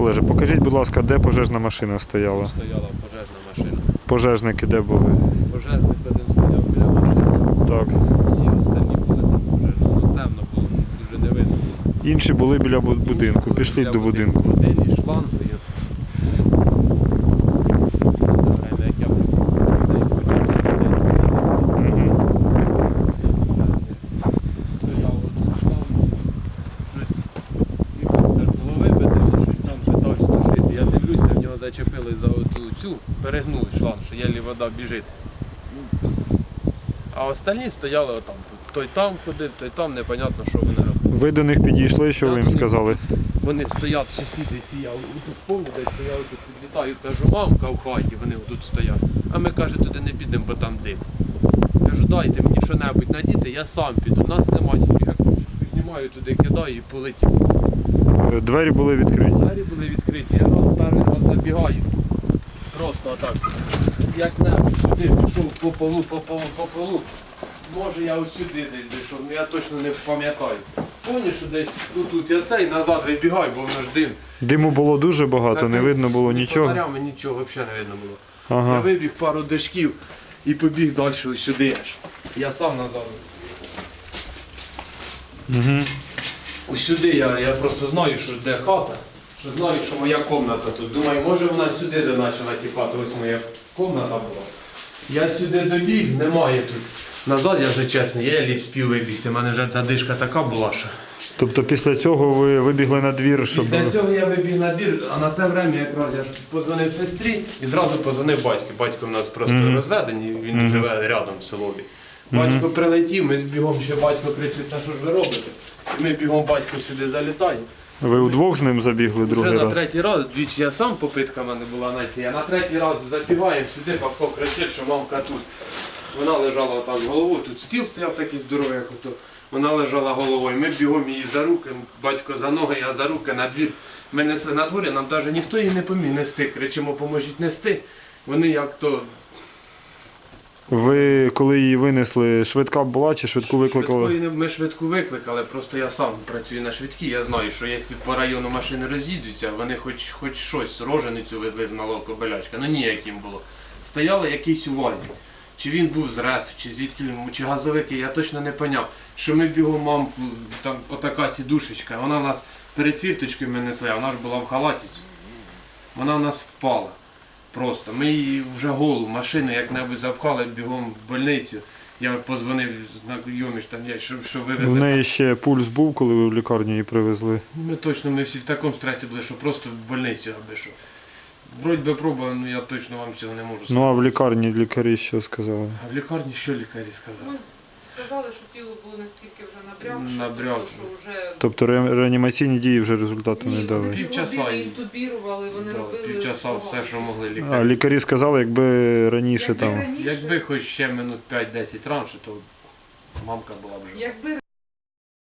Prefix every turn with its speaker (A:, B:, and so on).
A: Олеже, покажіть, будь ласка, де пожежна машина стояла?
B: Стояла пожежна машина.
A: Пожежники де були?
B: Пожежник один стояв біля машини.
A: Так.
B: Всі останні були там пожежні. Ну темно було, дуже не видно.
A: Інші були біля будинку. Пішліть до будинку.
B: Один із шлангою. Время, як я стояв один шланг. Щось було вибите, він щось там питався тушити. Я дивлюся, в нього зачепили за цю, перегнули шланг, що єлі вода біжить. А остальні стояли отам. Той там ходив, той там, непонятно, що вони робили.
A: Ви до них підійшли, що ви їм сказали?
B: Вони стоять, сусіди ці, я тут повні, десь стояв, тут підлітаю, кажу, мамка в хаті, вони тут стоять. А ми, каже, туди не підемо, бо там дим. Кажу, дайте мені що-небудь надіти, я сам піду, нас немає нічого. Піднімаю туди, кидаю і полетів.
A: Двері були відкриті.
B: Двері були відкриті, я перший раз забігаю. Просто отак. Як-небудь сюди пішов по полу. Може я ось сюди десь дійшов, я точно не пам'ятаю. Помню, що десь тут я цей назад вибігаю, бо воно ж дим.
A: Диму було дуже багато, не видно було нічого.
B: Фонарями нічого взагалі не видно було.
A: Ага.
B: Я вибіг пару дашків і побіг далі ось сюди аж. Я сам назад.
A: Угу.
B: Ось сюди я просто знаю, що де хата, що знаю, що моя кімната тут. Думаю, може вона сюди почала тіпати, ось моя кімната була. Я сюди добіг, немає тут. Назад, я вже чесний, я ліг спів вибігти, у мене вже та дишка така була, що...
A: Тобто після цього ви вибігли на двір, щоб...
B: Після цього я вибіг на двір, а на те время якраз я ж подзвонив сестрі і одразу подзвонив батьку. Батько в нас просто розведений, він живе рядом в селові. Батько прилетів, ми збігом ще батько кричить, та що ж ви робите? І ми бігом батько сюди залітаємо.
A: Ви удвох з ним забігли другий
B: Вже на
A: раз?
B: третій раз, двічі я сам, попитка в мене була знайти, а на третій раз забігаємо сюди, батько кричить, що мамка тут. Вона лежала отак головою, тут стіл стояв такий здоровий, як ото. Вона лежала головою, ми бігом її за руки, батько за ноги, я за руки на двір. Ми несли на дворі, нам навіть ніхто її не поміг нести, кричимо, поможіть нести. Вони як то...
A: Ви, коли її винесли, швидка була чи швидку викликали?
B: Ми швидку викликали, просто я сам працюю на швидкій, я знаю, що якщо по району машини роз'їдуться, вони хоч щось, роженицю везли з малого Кобилячка, ну ніяким було. Стояли якийсь у вазі. Чи він був з РЕС, чи звідки, чи газовики, я точно не поняв. Що ми бігом мамку, там отака сідушечка, вона в нас перед фірточкою ми несли, а вона ж була в халаті. Вона в нас впала. Просто. Ми її вже голу машину як-небудь запхали бігом в больницю. Я подзвонив знайомі, що вивезли.
A: В неї ще пульс був, коли ви в лікарню її привезли?
B: Ми всі в такому стресі були, що просто в больницю аби що. Вроді би проба, ну я точно вам цього не можу сказати.
A: Ну а в лікарні лікарі що сказали?
B: А в лікарні що лікарі сказали?
C: Сказали, що тіло було настільки вже
B: Набрякше.
C: що вже...
A: Тобто реанімаційні дії вже результату не дали?
B: Півчаса
C: інтубірували, вони робили...
B: Півчаса все, що могли
A: А
B: лікарі.
A: лікарі сказали, якби раніше там...
B: Якби хоч ще минут 5-10 раніше, то мамка була б жива.
C: Якби